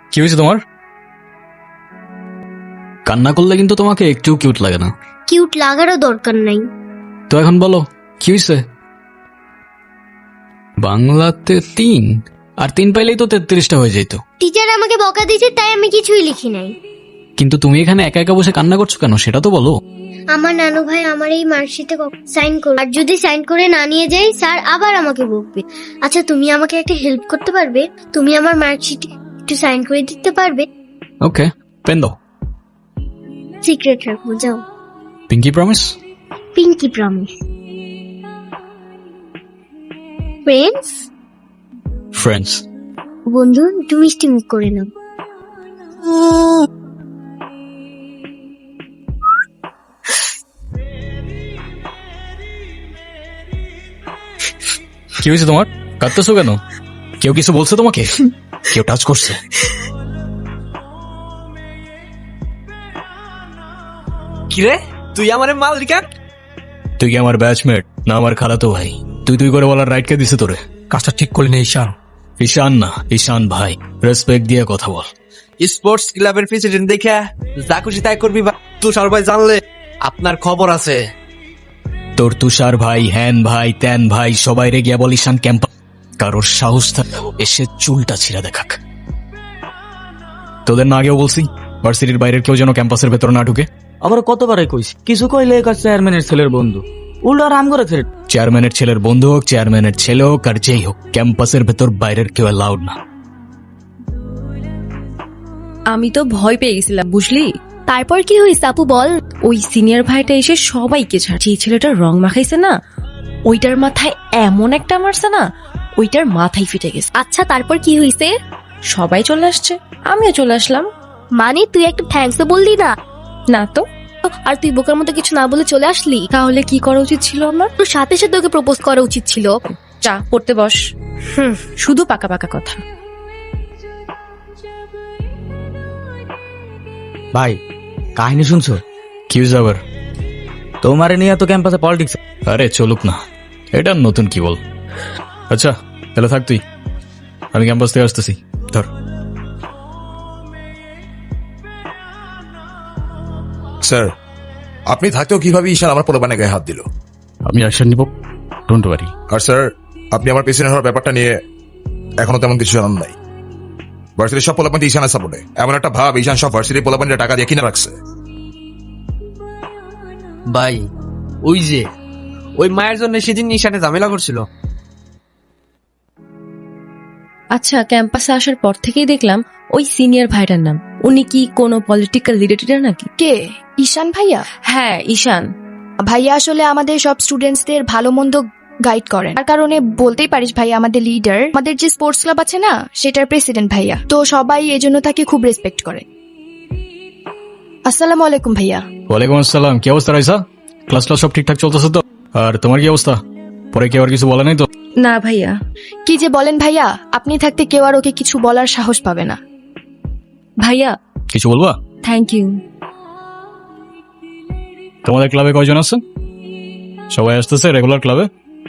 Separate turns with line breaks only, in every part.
কি হয়েছে তোমার? কান্না করলে কিন্তু তোমাকে একটু কিউট লাগে না।
কিউট লাগারও দরকার নাই।
তো এখন বলো কি হয়েছে? বাংলাতে 3 আর 3 পাইলেই তো 33টা হয়ে যেত।
টিচার আমাকে বকা দিয়েছে তাই আমি কিছুই লিখি নাই।
কিন্তু তুমি এখানে একা একা বসে কান্না করছো কেন সেটা তো বলো।
আমার নানু ভাই আমার এই মার্কশিটে সাইন করবে, আর যদি সাইন করে না নিয়ে যাই স্যার আবার আমাকে বকবে। আচ্ছা তুমি আমাকে একটা হেল্প করতে পারবে? তুমি আমার মার্কশিটে একটু সাইন করে দিতে পারবে?
ওকে, পেন দাও।
সিক্রেট রাখবো, যাও।
Pinky promise?
Pinky promise. Friends?
Friends.
বন্ধু একটু মিষ্টি মুখ করে নাও।
কি হয়েছে তোমার? কাঁদতেছো কেন? কেউ কিছু বলছে তোমাকে? কেউ টাচ করছে?
কিরে তুই আমার মালিকা?
তুই কি আমার ব্যাচমেট না আমার খালাতো ভাই? তুই করে বলার রাইট কে দিছে তোরে?
কাজটা ঠিক করলি না ঈশান।
ঈশান না, ঈশান ভাই। রেসপেক্ট দিয়ে কথা বল।
স্পোর্টস ক্লাবের প্রেসিডেন্ট দেখে যা খুশি তাই করবি। তুষার ভাই জানলে আপনার খবর আছে।
তোর তুষার ভাই, হ্যান ভাই, ত্যান ভাই সবাই রে গিয়া বল ঈশান ক্যাম্পাস কারোর সাহস থাকলে এসে চুলটা ছিঁড়া দেখাক। তোদের না আগেও বলছি ভার্সিটির বাইরের কেউ যেন ক্যাম্পাসের ভেতর না ঢুকে।
আবার কতবারই কইছি, কিছু কইলে একার চেয়ারম্যানের ছেলের বন্ধু, উল্টো রাম করে ছেড়ে।
চেয়ারম্যানের ছেলের বন্ধু হোক, চেয়ারম্যানের ছেলে হোক আর যেই হোক, ক্যাম্পাসের ভেতর বাইরের কেউ অ্যালাউড না।
আমি তো ভয় পেয়ে গেছিলাম বুঝলি।
তারপর কি হয়েছে আপু বল।
ওই সিনিয়র ভাইটা এসে সবাইকে ছাড়ছে। এই ছেলেটার রং মাখাইছে না, ওইটার মাথায় এমন একটা মারছে না, ওইটার মাথায় ফিটে গেছে।
আচ্ছা তারপর কি হয়েছে?
সবাই চলে আসছে, আমিও চলে আসলাম।
মানে তুই একটা থ্যাঙ্কস বললি না?
না তো,
আর তুই বোকার মতো কিছু না বলে চলে আসলি?
তাহলে কি করা উচিত ছিল আমার?
তোর সাথে সাথে ওকে প্রপোজ করা উচিত ছিল।
চা পড়তে বস। শুধু পাকা পাকা কথা।
ভাই কাহিনী শুনছো?
কি হয়েছে আবার?
তোমারে নিয়ে তো ক্যাম্পাসে পলিটিক্স।
আরে চলুক না, এটা নতুন কি বল। আচ্ছা তাহলে থাক তুই, আমি ক্যাম্পাস থেকে আসতেছি। ধর।
স্যার, আপনি থাকতেও কিভাবে ঈশান আমার পোলাপানে গায়ে হাত দিল?
আমি অ্যাকশন নিব, ডোন্ট ওয়ারি।
আর স্যার, আপনি আমার পেছনে হওয়ার ব্যাপারটা নিয়ে এখনো তেমন কিছু জানান নাই। ভার্সিটির সব পোলাপান ঈশানের সাপোর্টে। এমন একটা ভাব ঈশান সব ভার্সিটির পোলাপানরা টাকা দিয়ে কিনে রাখছে।
ভাই ওই যে ওই মায়ের জন্য সেদিন ঈশানে ঝামেলা করছিল।
আচ্ছা ক্যাম্পাসে আসার পর থেকেই দেখলাম ওই সিনিয়র ভাইটার নাম। উনি কি কোনো পলিটিক্যাল রিলেটেড নাকি?
কে? ঈশান ভাইয়া?
হ্যাঁ ঈশান
ভাইয়া আসলে আমাদের সব স্টুডেন্টসদের ভালো মন্দ গাইড করেন, তার কারণে বলতেই পারিস ভাইয়া আমাদের লিডার। আমাদের যে স্পোর্টস ক্লাব আছে না, সেটার প্রেসিডেন্ট ভাইয়া। তো সবাই এজন্য তাকে খুব রেসপেক্ট করে। আসসালামু আলাইকুম ভাইয়া।
ওয়ালাইকুম আসসালাম। কি অবস্থা রাইসা? ক্লাস সব ঠিকঠাক চলতেছে তো? আর তোমার কি অবস্থা? পরে কেউ আর কিছু বলে নাই তো?
না ভাইয়া।
কি যে বলেন ভাইয়া, আপনি থাকতে কেউ আর ওকে কিছু বলার সাহস পাবে না।
ভাইয়া
কিছু বলবা?
Thank you.
তোমাদের ক্লাবে কয়জন আছে? সবাই আসতেছে রেগুলার ক্লাবে?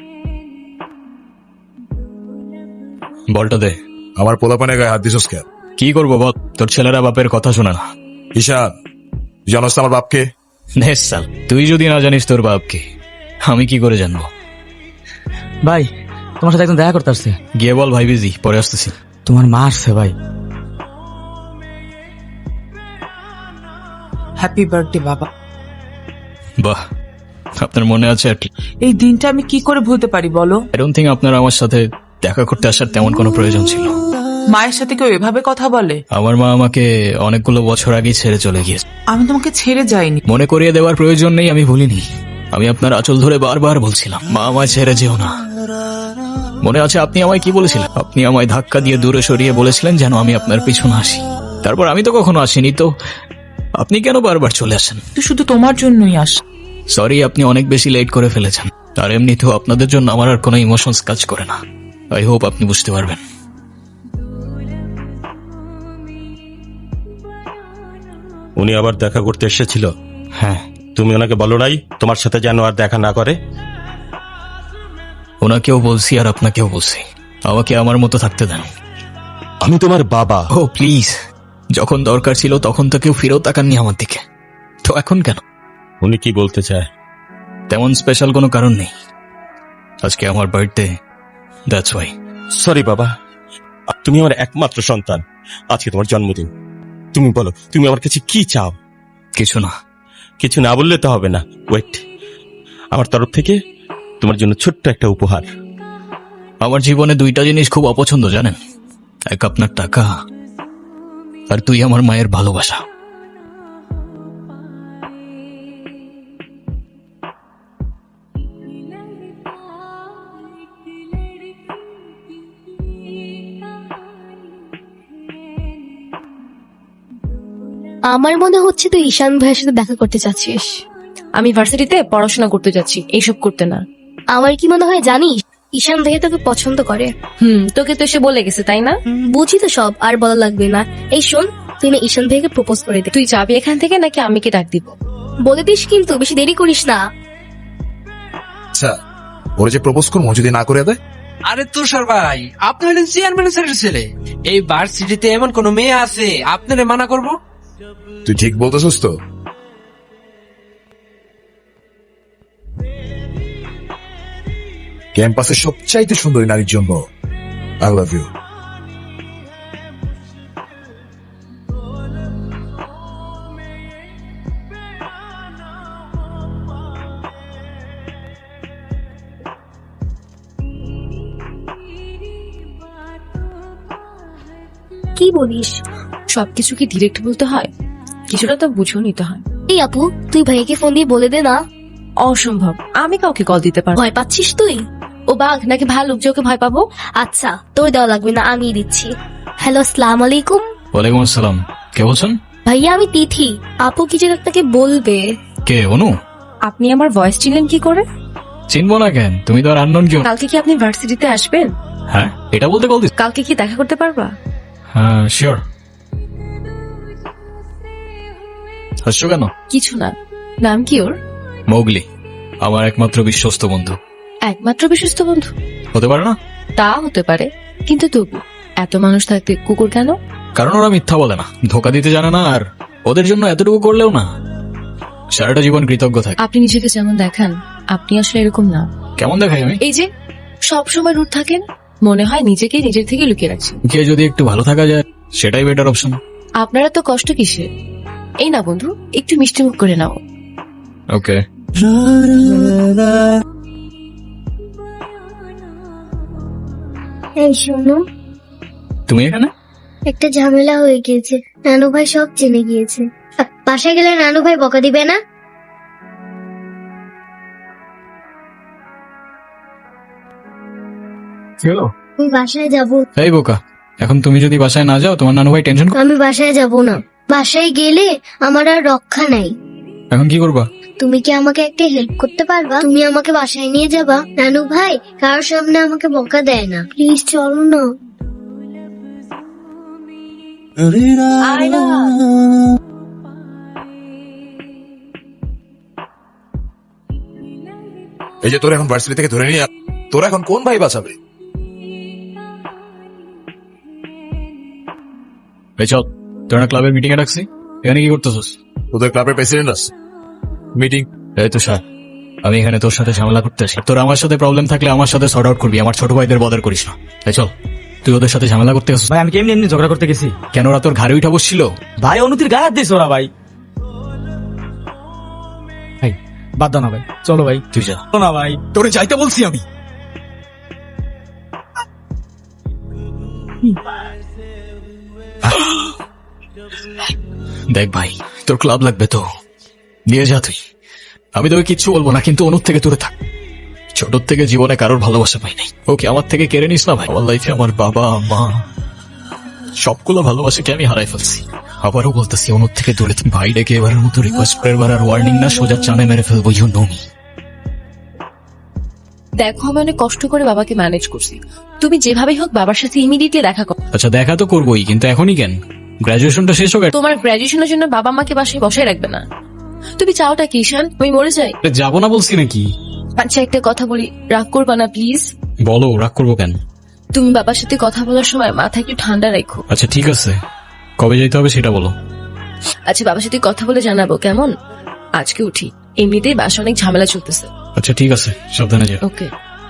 বলটা দে।
আমার পোলাপানে গায়ে হাত দিছস কেন?
কি করবো বল, তোর ছেলেরা বাপের কথা শোনে না।
ঈশান, জানোস তো আমার বাপকে?
নেসাল, তুই যদি না জানিস তোর বাপকে, আমি কি করে জানবো?
ভাই তোমার সাথে একদম দেখা করতে আসছে।
গিয়ে বল ভাই বিজি, পরে আসতেছি।
তোমার মা আসছে ভাই।
হ্যাপি বার্থডে বাবা।
বাহ, আপনার মনে আছে আর কি।
এই দিনটা আমি কি করে ভুলতে পারি বলো?
আই ডোন্ট থিংক আপনার আমার সাথে দেখা করতে আসার তেমন কোনো প্রয়োজন ছিল।
মায়ের সাথে কেউ এভাবে কথা বলে?
আমার মা আমাকে অনেকগুলো বছর আগেই ছেড়ে চলে গিয়েছে।
আমি তোমাকে ছেড়ে যাইনি।
মনে করিয়ে দেওয়ার প্রয়োজন নেই, আমি ভুলিনি। আমি আপনার আঁচল ধরে বারবার বলছিলাম, মা আমায় ছেড়ে যেও না। মনে আছে আপনি আমায় কি বলেছিলেন? আপনি আমায় ধাক্কা দিয়ে দূরে সরিয়ে বলেছিলেন যেন আমি আপনার পিছনে আসি। তারপর আমি তো কখনো আসিনি, তো আপনি কেন বারবার চলে আসেন?
তুই শুধু তোমার জন্যই আস।
সরি, আপনি অনেক বেশি লেট করে ফেলেছেন। আর এমনিতেও আপনাদের জন্য আমার আর কোনো ইমোশনস কাজ করে না। আই হোপ আপনি বুঝতে পারবেন।
উনি আবার দেখা করতে এসেছিল?
হ্যাঁ।
তুমি ওনাকে বলো নাই তোমার সাথে যেন আর দেখা না করে?
ওনাকেও বলছি আর আপনাকেও বলছি, আমাকে আমার মতো থাকতে দেন।
আমি তোমার বাবা।
ও প্লিজ, যখন দরকার ছিল তখন তো কেউ ফিরেও তাকাননি আমার দিকে, তো এখন কেন?
উনি কি বলতে চায়?
তেমন স্পেশাল কোনো কারণ নেই, আজকে আমার বার্থডে, দ্যাটস ওয়াই।
সরি বাবা, তুমি আমার একমাত্র সন্তান, আজকে তোমার জন্মদিন। তুমি বলো, তুমি আমার কাছে কি চাও?
কিছু না।
কিছু না বললে তো হবে না। ওয়েট, আমার তরফ থেকে তোমার জন্য ছোট্ট একটা উপহার।
আমার জীবনে দুইটা জিনিস খুব অপছন্দ জানেন, এক আপনার টাকা, আর তুই আমার মায়ের ভালোবাসা।
আমার মনে হচ্ছে তুই ঈশান ভাইয়ের সাথে দেখা করতে চাচ্ছিস।
আমি ভার্সিটিতে পড়াশোনা করতে যাচ্ছি, এইসব করতে না।
আমার কি মনে হয় জানিস, ঈশান ভাইয়া তোকে পছন্দ করে।
তোকে তো এসে বলে গেছে তাই না?
বুঝি তো সব, আর বলা লাগবে না। এই শোন, তুই না ঈশান ভাইকে প্রপোজ করে দে।
তুই যাবি এখান থেকে নাকি আমি কি ডাক দিব?
বলে দিস কিন্তু, বেশি দেরি করিস না।
আচ্ছা, ওরা যে প্রপোজ করবো যদি না করে দেয়?
আরে তুষার ভাই, আপনি হলেন চেয়ারম্যান স্যারের ছেলে। এই ভার্সিটিতে এমন কোন মেয়ে আছে আপনারে মানা করব?
তুই ঠিক বলতেছিস তো? ক্যাম্পাসের সবচাইতে সুন্দরী নারীর জন্য আই লাভ ইউ।
কি বলিস?
সবকিছু কি ডিরেক্ট বলতে হয়? কিছুটা তো বুঝেও নিতে হয়।
এই আপু, তুই ভাইকে ফোন দিয়ে বলে দে না।
অসম্ভব, আমি কাউকে কল দিতে পারবো।
ভয় পাচ্ছিস তুই?
ও বাঘ নাকি ভালুক যে ওকে ভয় পাবো?
আচ্ছা, তোর দেওয়া লাগবে না, আমি দিচ্ছি। হ্যালো, আসসালামু আলাইকুম।
ওয়ালাইকুম আসসালাম, কে বলছেন?
ভাইয়া আমি তিথি। আপু কি যেন আপনাকে বলবে।
কে, অনু?
আপনি আমার ভয়েস চিনলেন কি করে?
চিনবো না কেন, তুমি তো আর আননোন কেউ।
কালকে কি আপনি ভার্সিটিতে আসবেন?
হ্যাঁ, এটা বলতে কল দিস?
কালকে কি দেখা করতে পারবা?
হ্যাঁ শিওর। হাসছো কেন?
কিছু না। নাম কি ওর?
মৌগলি, আমার একমাত্র বিশ্বস্ত বন্ধু।
একমাত্র বিশ্বস্ত বন্ধু?
হতে পারে না?
তা হতে পারে, কিন্তু তবু এত মানুষ থাকতে কুকুর কেন?
কারণ ওরা মিথ্যা বলে না, ধোকা দিতে জানে না, আর ওদের জন্য এতটুকু করলেও না সারাটা জীবন কৃতজ্ঞ থাকে।
আপনি নিজেকে যেমন দেখান, আপনি আসলে এরকম না।
কেমন দেখাই আমি?
এই যে সব সময় রুট থাকেন, মনে হয় নিজেকে নিজের থেকে লুকিয়ে রাখছেন।
কে যদি একটু ভালো থাকা যায় সেটাই বেটার অপশন।
আপনারা তো কষ্ট কিসে? এই না বন্ধু, একটু মিষ্টি মুখ করে নাও।
ওকে।
এই শোনো,
তুমি এখানে?
একটা ঝামেলা হয়ে গিয়েছে, নানু ভাই সব জেনে গিয়েছে। বাসায় গেলে নানু ভাই বকা দিবে না?
চলো।
আমি বাসায় যাব।
এই বোকা, এখন তুমি যদি বাসায় না যাও তোমার নানু ভাই টেনশন।
আমি বাসায় যাব না, বাসায় গেলে আমার আর রক্ষা নাই।
এখন কি করবা?
তুমি কি আমাকে একটা হেল্প করতে পারবা? তুমি আমাকে বাসায় নিয়ে যাবা? নানু ভাই কারোর সামনে আমাকে বকা দেয় না, প্লিজ চলো না।
এই যে তোর এখন ভার্সিটি থেকে ধরে নিয়ে, তোর এখন কোন ভাই বাঁচাবে?
এই চল, তোর না ক্লাবের মিটিং এ ডাকছি, এখানে কি করতেছিস?
তোদের ক্লাবের প্রেসিডেন্ট আছে, মিটিং।
এই তো স্যার, আমি এখানে তোর সাথে ঝামেলা করতে আসি। তোর আমার সাথে প্রবলেম থাকলে আমার সাথে সর্ট আউট করবি, আমার ছোট ভাইদের বদার করিস না। এই চল, তুই ওদের সাথে ঝামেলা করতে আসিস।
ভাই আমি কেমনি এমনি ঝগড়া করতে গেছি?
কেন, ওরা তোর ঘাড়ে উঠা বসছিল?
ভাই অনুতির গায়ে হাত দিস ওরা। ভাই ভাই বাদ দাও না ভাই, চলো ভাই।
তুই যা।
চলো না ভাই।
তোরে যাইতে বলছি আমি। দেখ ভাই, তোর ক্লাব লাগবে তো নিয়ে যা তুই, আমি তোকে কিচ্ছু বলবো না, কিন্তু অনুর থেকে দূরে থাক। ছোট থেকে জীবনে কারোর ভালোবাসা পাই নাই, ওকে আমার থেকে কেড়ে নিস না ভাই। আমার লাইফে আমার বাবা মা সবগুলো ভালোবাসাকে আমি হারাই ফেলছি। আবারও বলতেছি, অনুর থেকে দূরে থাক। ভাই ডেকে এবারের মতো রিকোয়েস্ট করে এবার আর ওয়ার্নিং না, সোজা চানে মেরে ফেলবো। You know me.
দেখো আমি অনেক কষ্ট করে বাবাকে ম্যানেজ করছি, তুমি যেভাবেই হোক বাবার সাথে ইমিডিয়েটলি দেখা করো।
আচ্ছা দেখা তো করবোই, কিন্তু এখনই কেন? গ্রাজুয়েশনটা শেষ হোক।
তোমার গ্রাজুয়েশনের জন্য বাবা মাকে বাসায় বসায় রাখবে না। তুমি চাওটা কি ঈশান, আমি মরে যাই?
যাবো না বলছি নাকি?
আচ্ছা একটা কথা বলি, রাগ করবা না প্লিজ।
বলো, রাগ করবো কেন?
তুমি বাবার সাথে কথা বলার সময় মাথা একটু ঠান্ডা রাখো।
আচ্ছা ঠিক আছে, কবে যেতে হবে সেটা বলো।
আচ্ছা বাবার সাথে কথা বলে জানাবো, কেমন? আজকে উঠি, এমনিতেই বাসা অনেক ঝামেলা চলতেছে।
আচ্ছা ঠিক আছে, সাবধানে যাও।
ওকে।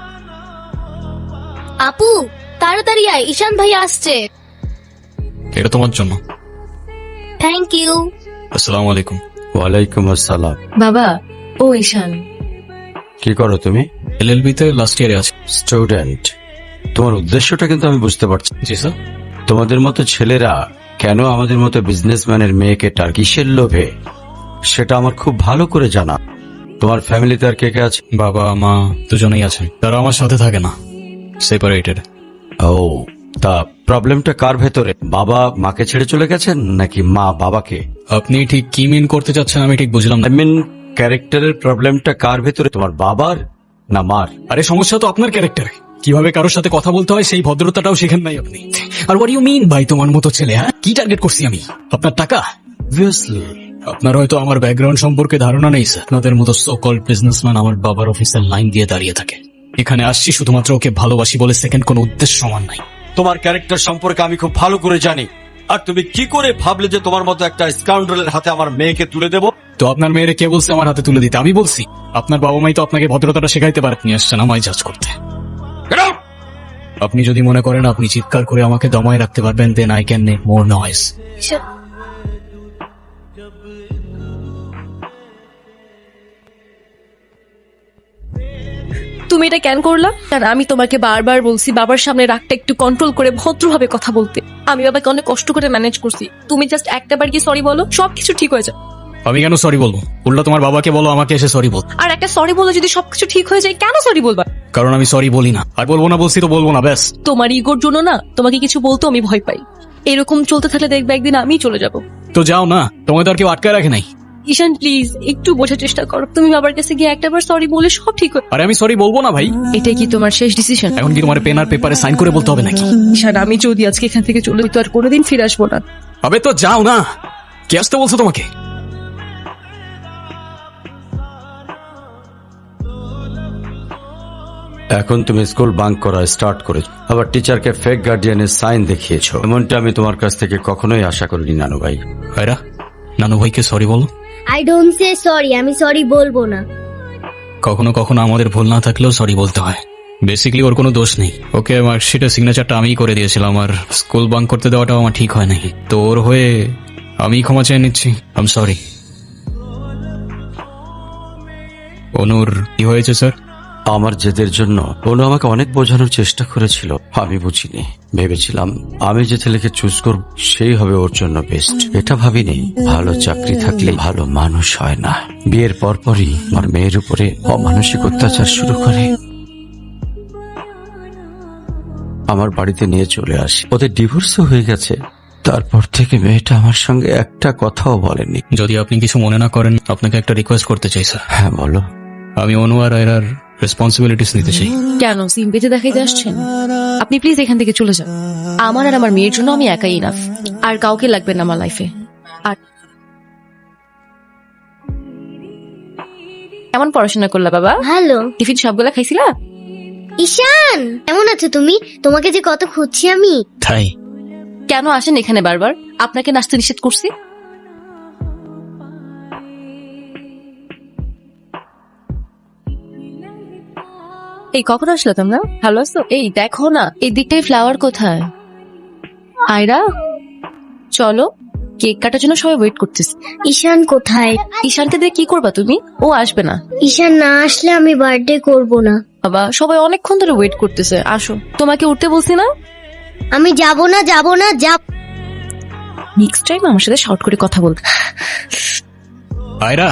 আপু তাড়াতাড়ি আয়, ঈশান ভাই আসছে।
এটা তোমার জন্য।
Thank you.
আসসালামু আলাইকুম।
ওয়ালাইকুম আসসালাম।
বাবা, ও ঈশান।
কি করো তুমি?
এলএলবি তে লাস্ট ইয়ারে আছে।
স্টুডেন্ট। তোমার উদ্দেশ্যটা কিন্তু আমি বুঝতে পারছি।
জি স্যার।
তোমাদের মতো ছেলেরা কেন আমাদের মতো বিজনেসম্যানের মেয়েকে কিসের লোভে, সেটা আমার খুব ভালো করে জানা। তোমার ফ্যামিলিতে আর কে কে আছে?
বাবা মা দুজনেই আছেন, তারা আমার সাথে থাকে না, সেপারেটেড।
ও, তা প্রবলেমটা কার ভেতরে? বাবা মাকে ছেড়ে চলে গেছেন নাকি মা বাবাকে?
আপনি ঠিক কি মিন করতে চাচ্ছেন আমি ঠিক বুঝলাম না।
আই মিন ক্যারেক্টারের প্রবলেমটা কার ভেতরে, তোমার বাবার না মার?
আরে সমস্যা তো আপনার ক্যারেক্টারে, কিভাবে কারোর সাথে কথা বলতে হয় সেই ভদ্রতাটাও শেখেন নাই আপনি। আর হোয়াট ইউ মিন ভাই তোমার মতো ছেলে? হ্যাঁ, কি টার্গেট করছি আমি? আপনার টাকা?
অবভিয়াসলি।
আপনার হয়তো আমার ব্যাকগ্রাউন্ড সম্পর্কে ধারণা নেই স্যার। আপনাদের মতো সো কল্ড বিজনেসম্যান আমার বাবার অফিসের লাইন দিয়ে দাঁড়িয়ে থাকে। এখানে আসছি শুধুমাত্র ওকে ভালোবাসি বলে, সেকেন্ড কোনো উদ্দেশ্য সমান নাই।
তোমার ক্যারেক্টার সম্পর্কে আমি খুব ভালো করে জানি। আর তুমি কি করে ভাবলে যে তোমার মতো একটা স্কাউন্ডারের হাতে আমার মেয়েকে তুলে দেব?
তো আপনার মেয়েরে কে বলছে আমার হাতে তুলে দিতে? আমি বলছি? আপনার বাবা মাই তো আপনাকে ভদ্রতাটা শেখাইতে পারে। আপনি আসছেন আমায় জাজ করতে। আপনি যদি মনে করেন আপনি চিৎকার করে আমাকে দমায় রাখতে পারবেন, then I can make more noise.
তুমি এটা কেন করলা? কারণ আমি তোমাকে বারবার বলছি বাবার সামনে রাগটা একটু কন্ট্রোল করে ভদ্রভাবে কথা বলতে। আমি বাবাকে অনেক কষ্ট করে ম্যানেজ করছি। তুমি জাস্ট একটাবার কি সরি বলো, সবকিছু ঠিক হয়ে যায়।
আমি কেন সরি বলবো? উল্টা তোমার বাবাকে বলো আমাকে এসে সরি বল।
আর একটা সরি বলে যদি সবকিছু ঠিক হয়ে যায়, কেন সরি বলবা?
কারণ আমি সরি বলি না। আর বলবো না বলছি তো বলবো না, ব্যাস।
তোমার ইগোর জন্য না তোমাকে কিছু বলতে আমি ভয় পাই। এরকম চলতে থাকলে দেখবে একদিন আমি চলে যাব।
তো যাও না, তোমায় তো আর কেউ আটকায় রাখে নাই।
ঈশান প্লিজ একটু বোঝার চেষ্টা করো। তুমি বাবার কাছে গিয়ে একটাবার সরি বলে সব ঠিক হয়।
আরে আমি সরি বলবো না ভাই।
এটাই কি তোমার শেষ ডিসিশন?
এখন কি তোমার পেন আর পেপারে সাইন করে বলতে হবে নাকি?
ঈশান আমি যদি আজকে এখান থেকে চলে যেত আর কোনোদিন ফিরে আসবো না।
আবে তো যাও না, কে আসতে বলছো তোমাকে?
এখন তুমি স্কুল বাঙ্ক করা স্টার্ট করেছো, আবার টিচারকে ফেক গার্ডিয়ানের সাইন দেখিয়েছো। এমনটা আমি তোমার কাছ থেকে কখনোই আশা করিনি নানু ভাই।
ভাইরা, নানু ভাইকে সরি বলো।
আই ডোন্ট সে সরি, আমি সরি বলবো না।
কখনো কখনো আমাদের ভুল না থাকলেও সরি বলতে হয়। বেসিক্যালি ওর কোনো দোষ নেই। ওকে মার্কশিটের সিগনেচারটা আমিই করে দিয়েছিলাম, আর স্কুল বাঙ্ক করতে দেওয়াটাও আমার ঠিক হয় নাই। তো ওর হয়ে আমি ক্ষমা চেয়ে নিচ্ছি। I am sorry. অনুর কি হয়েছে স্যার?
আমার জেদের জন্য অনু আমাকে অনেক বোঝানোর চেষ্টা করেছিল, আমি বুঝিনি। ভেবেছিলাম আমি যে ছেলেকে চুজ করব সেই হবে ওর জন্য বেস্ট। এটা ভাবিনি ভালো চাকরি থাকলে ভালো মানুষ হয় না। বিয়ের পরপরই আমার মেয়ের উপরে অমানসিক অত্যাচার শুরু করে। আমার বাড়িতে নিয়ে চলে আসি, ওদের ডিভোর্সও হয়ে গেছে। তারপর থেকে মেয়েটা আমার সঙ্গে একটা কথাও বলেনি।
যদি আপনি কিছু মনে না করেন, আপনাকে একটা রিকোয়েস্ট করতে চাই স্যার।
হ্যাঁ বলো।
আমি অনু আর আয়রার রেসপন্সিবিলিটিস নিতে চাই।
কেন সিম পেতে দেখাইতে আসছেন? আপনি প্লিজ এখান থেকে চলে যান। আমার আর আমার মেয়ের জন্য আমি একাই ইনাফ, আর কাউকে লাগবে না আমার লাইফে। আর কেমন পড়াশোনা করলা বাবা?
ভালো।
টিফিন সবগুলা খাইছিলা?
ঈশান কেমন আছো তুমি? তোমাকে যে কত খুঁজছি আমি।
তাই
কেন আসেন এখানে বারবার? আপনাকে নাচতে নিষেধ করছি? এই কখন আসলো তোমরা? ভালো আছো? এই দেখো না এই দিকটাই ফ্লাওয়ার কোথায়? আয়রা চলো, কেক কাটার জন্য সবাই ওয়েট করতেছে।
ঈশান কোথায়?
ঈশানকে দিয়ে কি করবা তুমি? ও আসবে না।
ঈশান না আসলে আমি বার্থডে করব না।
বাবা সবাই অনেকক্ষণ ধরে ওয়েট করতেছে, আসো। তোমাকে উঠতে বলছি না?
আমি যাব না, যাব না, যাব।
নেক্সট টাইম আমার সাথে শর্ট করে কথা বলতে।
Ayra,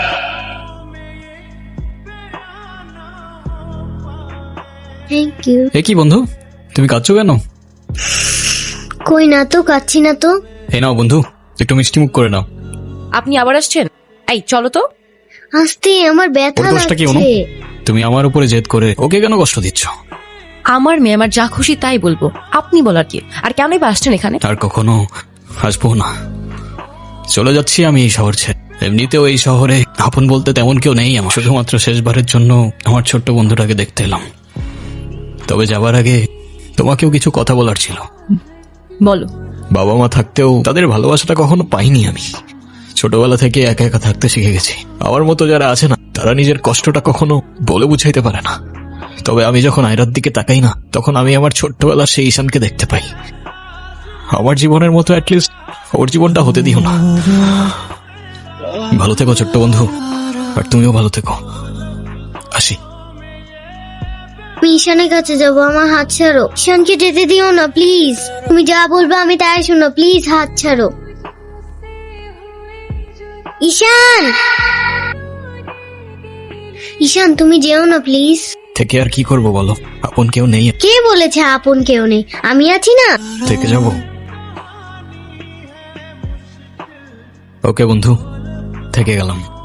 thank you.
এ কি বন্ধু, তুমি কাঁদছো কেন?
কই না তো, কাচ্ছি না তো।
এই নাও বন্ধু, একটু মিষ্টি মুখ করে নাও।
আপনি আবার আসছেন? এই চলো তো।
আস্তে, আমার ব্যথা
ওর দোষটা কি অনু?
লাগছে।
তুমি আমার উপরে জেদ করে ওকে কেন কষ্ট দিচ্ছ?
আমার মেয়ে আমার যা খুশি তাই বলবো, আপনি বলার কি? আর কেনই বা আসছেন এখানে?
আর কখনো আসবো না। চলে যাচ্ছি আমি এই শহর ছেড়ে। এমনিতেও এই শহরে আপন বলতে তেমন কেউ নেই আমার। শুধুমাত্র শেষবারের জন্য আমার ছোট্ট বন্ধুটাকে দেখতে এলাম। তবে যাবার আগে তোমাকেও কিছু কথা বলার ছিল।
বলো।
বাবা মা থাকতেও তাদের ভালোবাসাটা কখনো পাইনি আমি। ছোটবেলা থেকে একা একা থাকতে শিখে গেছি। আমার মতো যারা আছে না, তারা নিজের কষ্টটা কখনো বলে বুঝাইতে পারে না। তবে আমি যখন আয়রার দিকে তাকাই না, তখন আমি আমার ছোট্টবেলার সেই ঈশানকে দেখতে পাই। আমার জীবনের মতো অ্যাটলিস্ট ওর জীবনটা হতে দিও না। ভালো থেকো ছোট্ট বন্ধু, আর তুমিও ভালো থেকো। আসি।
আমি ঈশানের কাছে যাব, আমার হাত ছাড়ো। ঈশানকে যেতে দিও না প্লিজ। তুমি যা বলবে আমি তাই শুনো, প্লিজ হাত ছাড়ো। ঈশান, ঈশান তুমি যেও না প্লিজ।
থেকে আর কি করব বলো, আপন কেউ নেই।
কে বলেছে আপন কেউ নেই? আমি আছি না।
থেকে যাব। ওকে বন্ধু, থেকে গেলাম।